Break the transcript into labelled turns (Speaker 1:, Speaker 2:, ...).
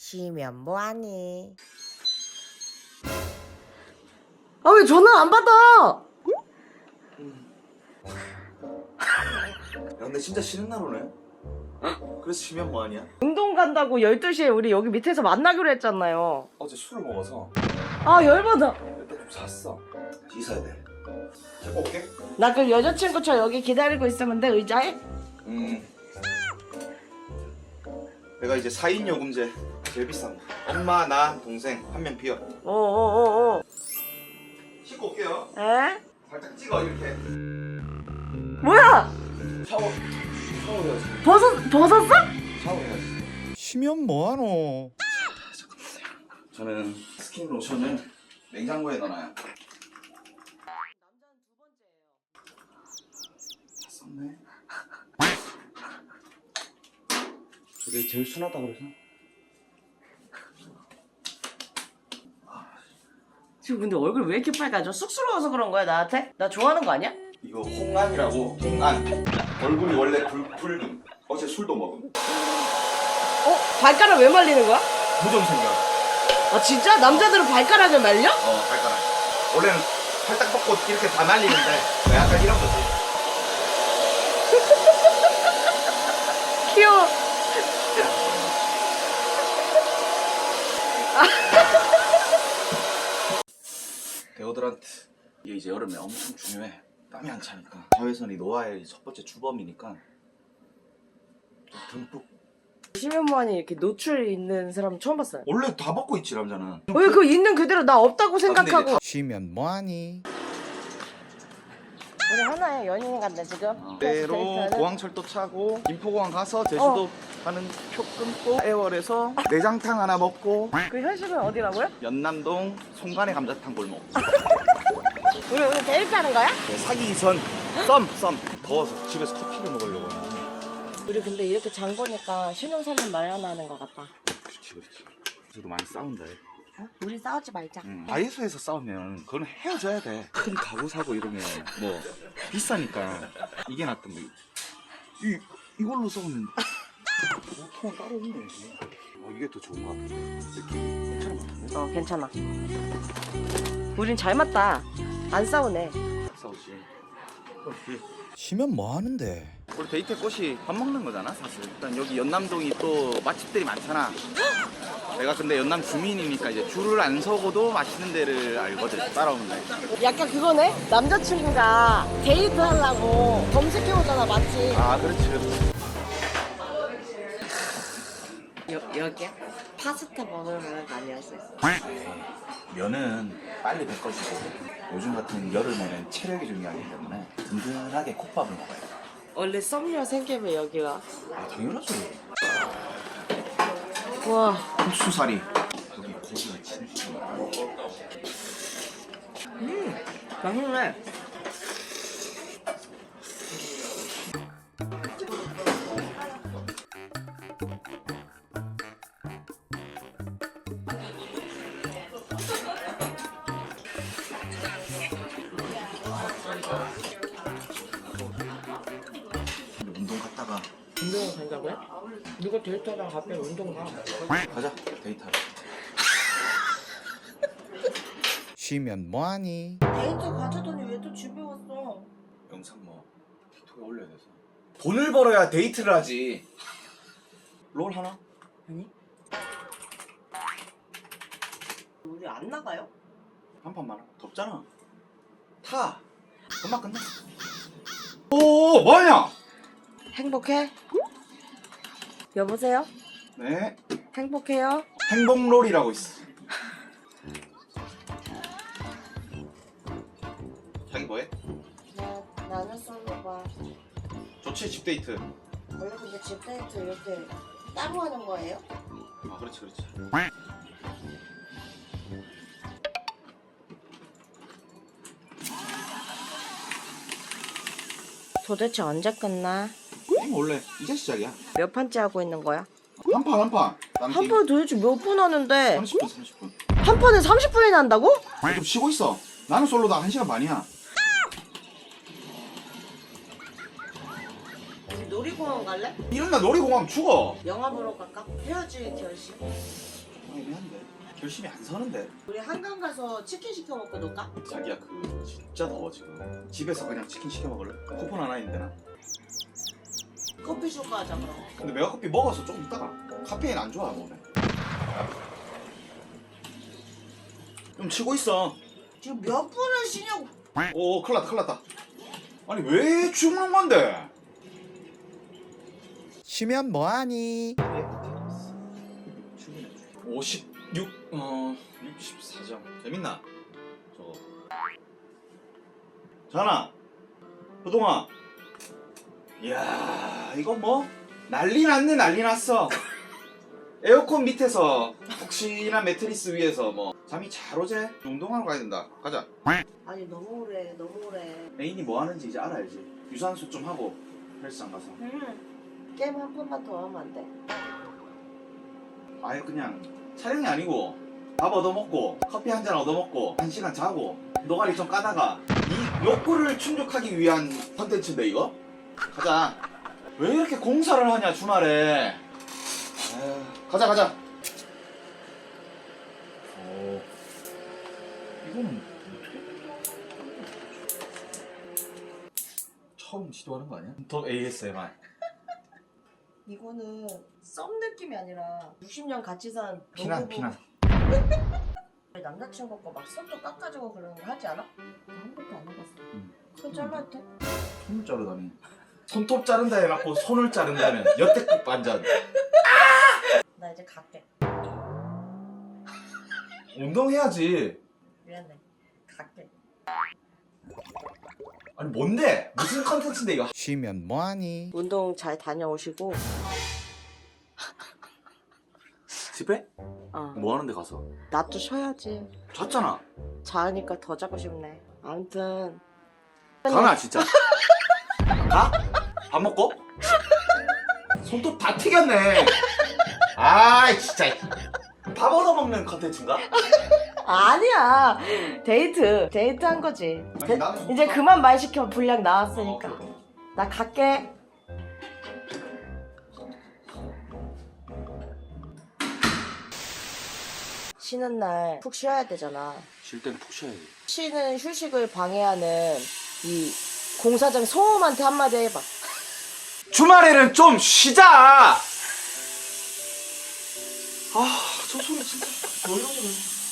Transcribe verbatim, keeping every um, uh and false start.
Speaker 1: 쉬면 뭐하니?
Speaker 2: 아, 왜 전화 안 받아?
Speaker 3: 야, 근데 진짜 쉬는 날 오네? 그래서 쉬면 뭐하냐?
Speaker 2: 운동 간다고 열두 시에 우리 여기 밑에서 만나기로 했잖아요.
Speaker 3: 어제 술을 먹어서
Speaker 2: 아, 열받아.
Speaker 3: 일단 좀 잤어. 씻어야 돼. 데리고 올게.
Speaker 2: 나 그 여자친구 저 여기 기다리고 있으면 돼, 의자에?
Speaker 3: 음. 내가 이제 사 인 요금제 제일 비싼 거. 엄마, 나, 동생 한 명 비워.
Speaker 2: 어어어어.
Speaker 3: 씻고 올게요.
Speaker 2: 에?
Speaker 3: 살짝 찍어 이렇게.
Speaker 2: 뭐야?
Speaker 3: 샤워. 샤워해야지.
Speaker 2: 벗었, 벗었어?
Speaker 3: 샤워해야지.
Speaker 4: 쉬면 뭐하노?
Speaker 3: 저는 스킨 로션을 냉장고에 넣어놔요. 다 썼네. 저게 제일 순하다 그래서.
Speaker 2: 지금 근데 얼굴 왜 이렇게 빨개져? 쑥스러워서 그런 거야, 나한테? 나 좋아하는 거 아니야?
Speaker 3: 이거 홍안이라고. 홍안. 얼굴이 원래 붉, 붉음. 어제 술도 먹음.
Speaker 2: 어? 발가락 왜 말리는 거야?
Speaker 3: 무좀 생겨.
Speaker 2: 아, 진짜? 남자들은 발가락을 말려?
Speaker 3: 어, 발가락. 원래는 팔딱 벗고 이렇게 다 말리는데 약간 이런 거지.
Speaker 2: 귀여워.
Speaker 3: 데오드란트. 이게 이제 여름에 엄청 중요해. 땀이 안 차니까. 자외선이 노화의 첫 번째 주범이니까 좀 듬뿍.
Speaker 2: 쉬면 뭐하니 이렇게 노출 있는 사람 처음 봤어요.
Speaker 3: 원래 다 벗고 있지 남자는.
Speaker 2: 왜 그거 있는 그대로 나 없다고 생각하고.
Speaker 4: 쉬면 뭐하니?
Speaker 2: 우리 하나의 연인 같네 지금.
Speaker 3: 때로 공항철도 차고 김포공항 가서 제주도
Speaker 2: 어.
Speaker 3: 가는 표 끊고 애월에서 내장탕 하나 먹고
Speaker 2: 그 현실은 어디라고요?
Speaker 3: 연남동 송간의 감자탕 골목.
Speaker 2: 우리 오늘 데이트하는 거야?
Speaker 3: 사귀기 전 썸! 썸! 더워서 집에서 커피를 먹으려고 하는데.
Speaker 2: 우리 근데 이렇게 장 보니까 신혼살림 마련하는 것 같다.
Speaker 3: 그렇지 그렇지. 저도 많이 싸운다 해.
Speaker 2: 어? 우리 싸우지 말자.
Speaker 3: 응. 다이소에서 싸우면 그건 헤어져야 돼. 큰 가구 사고 이러면 뭐 비싸니까 이게 낫던 거. 이 이걸로 싸우면 보통은 따로 있네. 어, 이게 더 좋은가? 느낌 괜찮은 것 같은데?
Speaker 2: 어, 괜찮아. 우린 잘 맞다. 안 싸우네.
Speaker 3: 싸우지.
Speaker 4: 쉬면 뭐하는데?
Speaker 3: 우리 데이트 꽃이 밥 먹는 거잖아 사실. 일단 여기 연남동이 또 맛집들이 많잖아. 내가 근데 연남 주민이니까 이제 줄을 안 서고도 맛있는 데를 알거든. 따라오면 돼.
Speaker 2: 약간 그거네? 남자친구가 데이트 하려고 검색해오잖아, 맞지?
Speaker 3: 아 그렇지 그렇지.
Speaker 2: 여, 여기야? 파스타 먹으면 많이 할 수 있어.
Speaker 3: 면은 빨리 뱉어지고 요즘 같은 여름에는 체력이 중요하기 때문에 든든하게 콧밥을 먹어야 돼.
Speaker 2: 원래 썸녀 생기면 여기가.
Speaker 3: 아 당연하지.
Speaker 2: 우와.
Speaker 3: 국수사리. 여기 고기가 진짜 많아.
Speaker 2: 음, 맛있네.
Speaker 3: 운동 갔다가
Speaker 2: 운동을 간다고요? 누가 데이트하다가 갑자기 운동 가?
Speaker 3: 가자 데이트하러.
Speaker 4: 쉬면 뭐하니?
Speaker 2: 데이트 가자더니 왜 또 집에 왔어?
Speaker 3: 영상 뭐 틱톡에 올려야 돼서. 돈을 벌어야 데이트를 하지. 롤 하나?
Speaker 2: 아니? 우리 안 나가요?
Speaker 3: 한 판만. 덥잖아. 타. 금방 끝나. 오 뭐하냐?
Speaker 2: 행복해? 여보세요?
Speaker 3: 네.
Speaker 2: 행복해요?
Speaker 3: 행복롤이라고 있어. 자기 뭐해?
Speaker 2: 나 나는 솔로 봐.
Speaker 3: 좋지 집 데이트.
Speaker 2: 원래 근데 집 데이트 이렇게 따로 하는 거예요?
Speaker 3: 아 그렇지 그렇지.
Speaker 2: 도대체 언제 끝나?
Speaker 3: 게임 원래 이제 시작이야.
Speaker 2: 몇 판째 하고 있는 거야?
Speaker 3: 한 판 한 판.
Speaker 2: 한 판에 도대체 몇 분 하는데
Speaker 3: 삼십 분 삼십 분.
Speaker 2: 한 판에 삼십 분이나 한다고?
Speaker 3: 좀 쉬고 있어. 나는 솔로다 한 시간 반이야.
Speaker 2: 우리 놀이공원 갈래?
Speaker 3: 이런 날 놀이공원 죽어.
Speaker 2: 영화 보러 갈까? 헤어질 결심.
Speaker 3: 결심이 안 서는데.
Speaker 2: 우리 한강 가서 치킨 시켜 먹고 놀까?
Speaker 3: 자기야 그 진짜 더워 지금. 집에서 그냥 치킨 시켜 먹을래? 쿠폰 하나 있는데 나.
Speaker 2: 커피 쇼가 하자 그럼.
Speaker 3: 근데 메가커피 먹어서 조금 있다가 카페인 안 좋아 몸에. 좀 치고 있어.
Speaker 2: 지금 몇 분을 쉬냐고.
Speaker 3: 오 큰일 났다 큰일 났다. 아니 왜 죽는 건데?
Speaker 4: 쉬면 뭐하니?
Speaker 3: 오십육, 어, 육십사 점. 재밌나? 저거. 전화. 호동아. 이야, 이거 뭐? 난리 났네, 난리 났어. 에어컨 밑에서 혹시나 매트리스 위에서 뭐 잠이 잘 오제? 운동하러 가야 된다. 가자.
Speaker 2: 아니 너무 오래 너무 오래.
Speaker 3: 애인이 뭐 하는지 이제 알아야지. 유산소 좀 하고 헬스장 가서.
Speaker 2: 응. 게임 한 번만 더 하면 안 돼?
Speaker 3: 아예 그냥 촬영이 아니고 밥 얻어먹고 커피 한 잔 얻어먹고 한 시간 자고 노가리 좀 까다가 이 욕구를 충족하기 위한 컨텐츠인데 이거? 가자. 왜 이렇게 공사를 하냐 주말에. 에휴, 가자 가자. 오, 이거는 처음 시도하는 거 아니야? 더 에이에스엠알.
Speaker 2: 이거는 썸 느낌이 아니라 육십 년 같이 산
Speaker 3: 피난
Speaker 2: 노부부.
Speaker 3: 피난.
Speaker 2: 남자친구 거 막 손도 깎아주고 그러는 거 하지 않아? 나 한 번도 안 해봤어.
Speaker 3: 응.
Speaker 2: 손 잘라도 돼?
Speaker 3: 손을 자르다니. 손톱 자른다 해놓고 손을 자른다면 여태급 반전.
Speaker 2: 나 이제 갈게.
Speaker 3: 운동해야지.
Speaker 2: 미안해. 갈게.
Speaker 3: 아니 뭔데? 무슨 컨텐츠인데 이거?
Speaker 4: 쉬면 뭐하니?
Speaker 2: 운동 잘 다녀오시고.
Speaker 3: 집에?
Speaker 2: 어.
Speaker 3: 뭐 하는데 가서?
Speaker 2: 나 또 쉬어야지.
Speaker 3: 잤잖아.
Speaker 2: 자니까 더 자고 싶네. 아무튼.
Speaker 3: 가나 진짜. 가? 밥 먹고? 손톱 다 튀겼네. 아이 진짜. 밥 얻어먹는 컨텐츠인가?
Speaker 2: 아니야. 데이트. 데이트 한 거지.
Speaker 3: 아니,
Speaker 2: 데-
Speaker 3: 나는
Speaker 2: 이제
Speaker 3: 못
Speaker 2: 그만 말 시켜. 분량 나왔으니까.
Speaker 3: 어, 그래.
Speaker 2: 나 갈게. 쉬는 날 푹 쉬어야 되잖아.
Speaker 3: 쉴 때는 푹 쉬어야지.
Speaker 2: 쉬는 휴식을 방해하는 이 공사장 소음한테 한마디 해봐.
Speaker 3: 주말에는 좀 쉬자. 아, 저 소리 진짜 왜 이러는 거야?